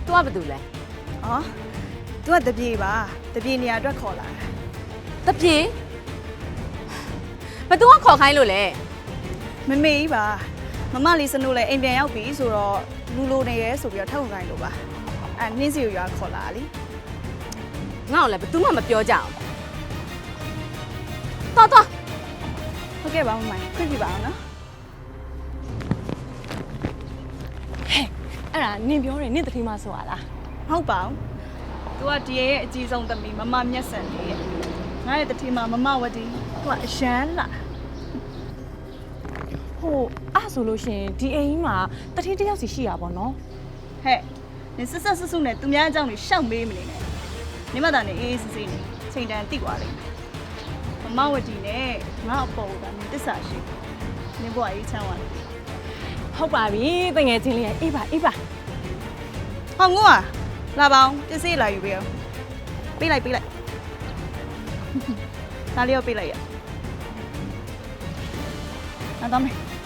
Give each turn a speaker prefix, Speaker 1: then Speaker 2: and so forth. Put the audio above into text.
Speaker 1: तू ကဘာတူလဲ
Speaker 2: အော် तू ကတပြေပါတပြေနေရာအတွက်ခေါ်လာ
Speaker 1: တပြေဘသူကခေါ်ခိုင်းလို့လဲ
Speaker 2: မမေကြီးပါမမလေးစနိုးလည်းအိမ်ပြန်ရောက်ပြီဆိုတော့လူလိုနေရဲဆိုပြီးတော့ထောက်ခိုင်းလို့ပါအဲ့နှင်းစီကိုရွာခေါ်လာလी
Speaker 1: ငါ့ကိုလည်းဘသူမှမပြောကြအောင်တော်
Speaker 2: ဟုတ်ကဲ့ပါမမခွင့်ပြပါအောင်နော်
Speaker 3: အဲ့ဒါနင်ပြောတယ်နင်တတိမဆိုရလား
Speaker 2: မဟုတ်ပါဘူး तू ကဒီရဲ့အကြီးဆုံးသမီးမမမျက်စံလေးရဲ့ငါရဲ့တတိမမဝတီ तू ကအရန်လာ
Speaker 3: ဟိုအဲ့ဆိုလို့ရှင်ဒီအိမ်ကြီးမှာတတိတယောက်စီရှိရပါတော့
Speaker 2: ဟဲ့နင်ဆက်ဆုနဲ့သူများအကြောင်းတွေရှောက်မေးမနေနဲ့နေမသားနဲ့အေးအေးဆေးဆေးနေချိန်တန်တိသွားလိမ့်မယ်မမဝတီနဲ့ငါအပေါ်ကနင်တစ္ဆာရှိနင်ဘွားရေးချမ်းသွားတယ်
Speaker 3: ဟုတ်ပါပြီတငယ်ချင်းလေးရဲ့အေးပါ
Speaker 2: ဟောငို့อ่ะလာပါအောင်ပစ္စည်းလာယူပေးအောင်ပေးလိုက်ဒါလေးရောပေးလိုက်ရအောင်တော့မယ်